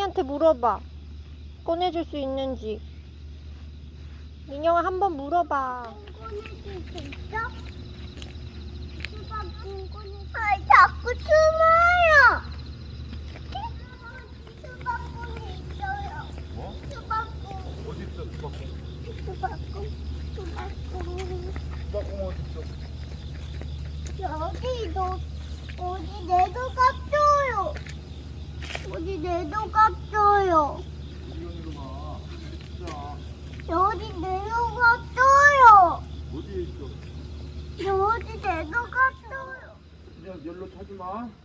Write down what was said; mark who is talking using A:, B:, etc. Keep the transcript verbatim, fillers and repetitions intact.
A: 민영이한테 물어봐. 꺼내줄 수 있는지. 민영아 한번 물어봐.
B: 꺼내줄 수 있어? 수박은 꺼내. 아, 자꾸 숨어요. 수박은 있어요.
C: 뭐?
B: 수박은.
C: 어디 있어 수박콩?
B: 수박은. 수박은.
C: 수박콩 어디 있어?
B: 여기도 어디 내도 깝줘요. 어디 내도 깝줘요.
C: 이현이로 가. 진짜.
B: 여기 내도 깝줘요.
C: 어디에 있어?
B: 여기 내도 깝줘요.
C: 그냥 열로 타지 마.